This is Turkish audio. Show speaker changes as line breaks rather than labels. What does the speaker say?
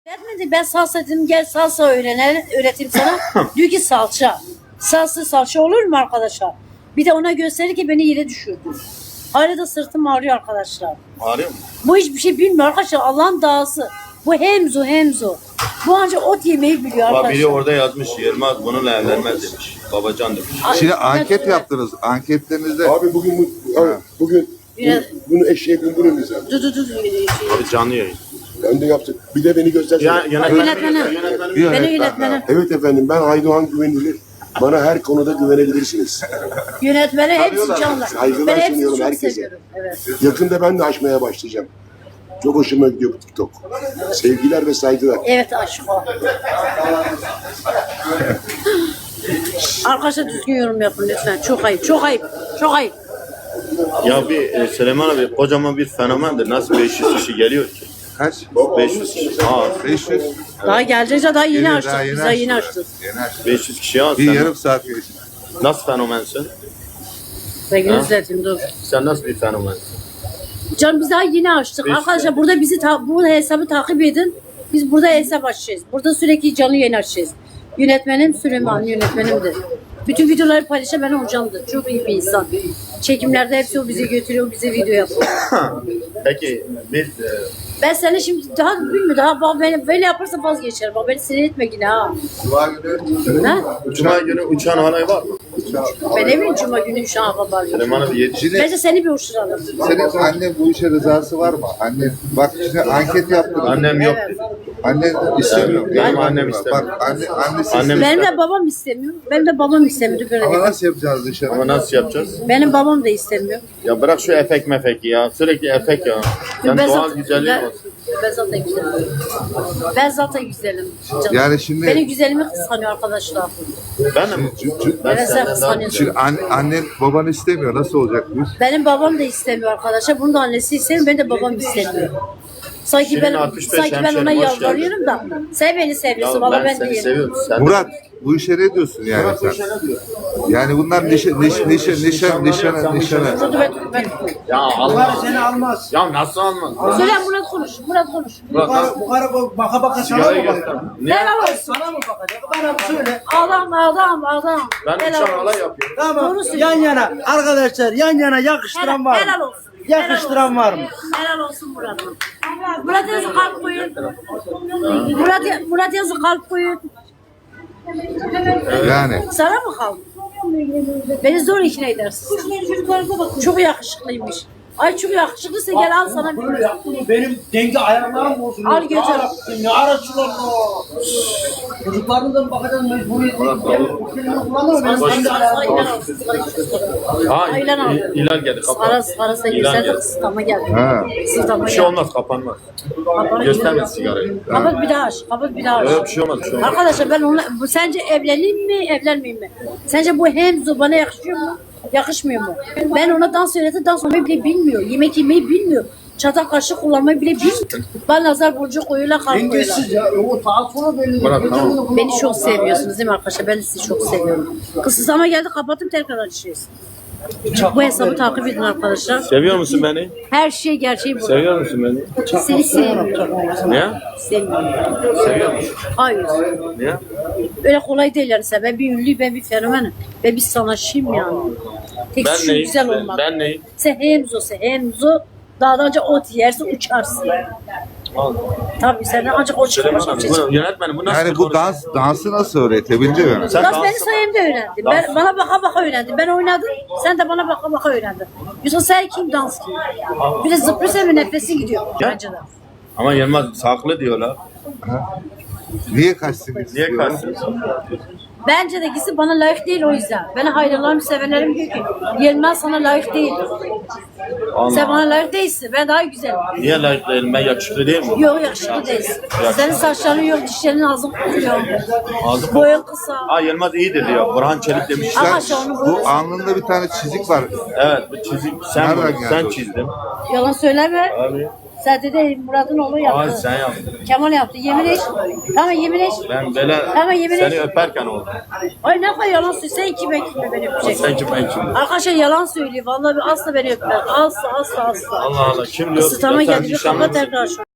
Gelmedi, ben salsa dedim, gel salsa öğreteyim sana. Diyor ki salça. Salça olur mu arkadaşlar? Bir de ona gösterir ki beni yere düşürdü. Hala da sırtım ağrıyor arkadaşlar.
Ağrıyor mu?
Bu hiçbir şey bilmiyor arkadaşlar. Allah'ın dağısı. Bu hemzo. Bu ancak ot yemeyi biliyor arkadaşlar.
Biri orada yazmış, Yılmaz bununla evlenmez demiş. Babacan demiş.
Şimdi anket yaptınız. Anketlerinizde
Abi bugün bunu eşeğe bindirir abi.
Dur.
Abi canlı yayın.
Ben de yaptım. Bir de beni göstersene.
Yönetmenim. Beni yönetmenim.
Evet efendim, ben Aydoğan Güvenilir. Bana her konuda güvenebilirsiniz.
Yönetmeni hepsi canlı.
Saygılar
Ben hepsini
sunuyorum
çok
herkese.
seviyorum. Evet.
Yakında ben de açmaya başlayacağım. Çok hoşuma gidiyor bu TikTok. Sevgiler ve saygılar.
Evet aşk o. Arkadaşlar düzgün yorum yapın lütfen. Çok ayıp.
Ya bir Süleyman abi kocaman bir fenomendir. Nasıl 500 kişi geliyor ki?
kaç?
500 kişi. Aa,
500.
Daha geleceğiz, daha yeni açtık.
Daha
Biz daha yeni açtık.
Yeni açtık.
500 kişi ya.
Bir
Sen
yarım saat geçti.
nasıl fenomensin?
Sevgili izledim dur.
Sen nasıl bir fenomensin?
Can biz daha yeni açtık.
Beş-
Arkadaşlar burada bu hesabı takip edin. Biz burada hesap açacağız. Burada sürekli canlı yayın açacağız. Yönetmenim Süleyman, yönetmenimdir. Bütün videoları paylaşan ben hocamdır. Çok iyi bir insan. Çekimlerde hepsi o bizi götürüyor, bize video yapıyor.
Peki biz
Ben seni şimdi daha bilmiyorum. Daha bak beni böyle yaparsa vazgeçerim. Bak beni sinir etme yine ha.
Cuma günü
Ha?
Cuma günü uçan halay var mı?
Ben eminim cuma günü şu an haber.
Süleyman abi yetişti.
Bence seni bir uçuralım.
senin annen bu işe rızası var mı? Annen bak şimdi anket yaptınız.
Annem yok.
Evet.
Annen istemiyor.
Benim
Yani
annem istemiyor.
Bak annesi
Annem-
istemiyor.
Benim de babam istemiyor. Benim de babam istemiyor. Böyle
Ama
değil.
nasıl yapacağız dışarı?
Ama nasıl yapacağız?
Benim babam da istemiyor.
Ya bırak şu efek mefeki ya. Sürekli efek ya. Sen doğal güzelliğin olsun.
Ben zaten güzelim. Ben zaten güzelim. Canım.
Yani şimdi-
Benim güzelimi kıskanıyor arkadaşlar.
Ben de mi? Ben
Evet sen
senden daha
kıskanıyorsun.
Şimdi annen baban istemiyor. Nasıl olacak bu iş?
Benim babam da istemiyor arkadaşlar. Bunun da annesi istemiyor. Benim de babam istemiyor. Sanki
Senin
ben
65
sanki ben ona
hemşerim, hoş
yalvarıyorum da sen beni seviyorsun
Ya
valla
ben
ben
seni
değilim.
seviyorum. Sen
Murat bu işe ne diyorsun yani sen? Yani bunlar nişana.
Dur ben.
Ya Allah seni almaz. Ya nasıl almaz?
Söyle Murat konuş.
Murat
Bu karı baka baka sana
sigarayı
mı
göster.
bakacak?
Ne?
Helal olsun.
Sana mı bakacak? Bana bir söyle.
Adam.
Ben
Helal
uçan
olsun.
halay yapıyorum.
Tamam.
Doğru söylüyorsun.
Yan yana arkadaşlar yan yana yakıştıran var mı?
Helal olsun.
Yakıştıran var mı?
Helal olsun Murat'ım. Murat yazı kalp koyun. Murat yazı kalp koyun.
Yani
Sana mı kaldı? Beni zor ikna edersin. Çok yakışıklıymış. Ay çok yakışıklıysa gel al sana bir.
Benim denge ayarlarım olsun.
Al götür.
Ne araçlar o? Çocukların da bakacağız mecburiyet.
Ha,
Aylan aldı.
Hilal geldi. Kapat.
Arası
İlan
sen de
geldi.
kısıtlama geldi.
ha.
Kısıtlama
Bir şey
geldi.
olmaz, kapanmaz. Gösterme sigarayı.
Kapat bir daha aç.
Yok bir şey olmaz, bir şey olmaz.
Arkadaşlar ben onunla, sence evleneyim mi, evlenmeyeyim mi? Sence bu hemzo bana yakışıyor mu? Yakışmıyor mu? Ben ona dans öğretti, dans olmayı bile bilmiyor. Yemek yemeyi bilmiyor. Çatal kaşık kullanmayı bile bilmiyor. Ben nazar boncuğu koyuyorlar, kalp koyuyorlar.
Dengesiz ya. O saat sonra belli.
Murat, tamam.
Beni çok seviyorsunuz değil mi arkadaşlar? Ben de sizi çok seviyorum. Kısıtlama geldi, kapattım tekrar açacağız. Bu hesabı takip edin arkadaşlar.
Seviyor musun beni?
Her şey gerçeği bu.
Seviyor musun beni?
Seni sevmiyorum.
Ne?
Sevmiyorum.
Seviyor musun?
Hayır.
Ne?
Öyle kolay değil yani. Ben bir ünlüyüm, ben bir fenomenim. Ben bir sanatçıyım yani. Tek
Ben
şu
neyim?
güzel olmak.
Ben neyim?
Sen hemzo. Dağdan önce ot yersin, uçarsın. Tabii sen ancak o
Süleyman
çıkmış.
abi, bu yönetmenim bu nasıl
Yani bu dansı nasıl öğretebildi mi?
Sen
Dans
dans-
benim sayemde öğrendin. Ben, bana baka öğrendin. Ben oynadım, sen de bana baka öğrendin. Yoksa sen kim dans kim? Bir de zıplıyorsa bir nefesin gidiyor. Bence de.
Ama Yılmaz saklı diyorlar.
Niye kaçsın
Niye
istiyor?
kaçsın?
Bence de ikisi bana layık değil o yüzden. Beni hayranlarım, sevenlerim diyor ki Yılmaz sana layık değil.
Allah.
Sen bana layık değilsin. Ben daha güzelim.
Niye layık değilim? Ben yakışıklı değil mi?
Yok yakışıklı değilsin. Senin saçların yok, dişlerin ağzın kokuyor.
Ağzı
Boyun kısa.
Aa Yılmaz iyidir diyor. Burhan Çelik demiş.
Arkadaşlar onu böyle...
Bu alnında bir tane çizik var.
Evet bu çizik sen
Nereden geldi
sen
o?
çizdin.
Yalan söyleme.
Abi.
Sen de Murat'ın oğlu
Aa
yaptı.
sen yaptın.
Kemal yaptı. Yemin et. Tamam yemin et.
Ben böyle
Ama yemin
seni
et.
öperken oldu.
Ay ne kadar yalan söylüyor. Sen kim beni öpecek?
Sen kim ben kim?
Arkadaşlar yalan söylüyor. Vallahi asla beni öpmez. Asla.
Allah Allah kim diyor?
Isıtama
Ya sen
geldi. Bir
nişanlı
kapat
mısın?
tekrar şu.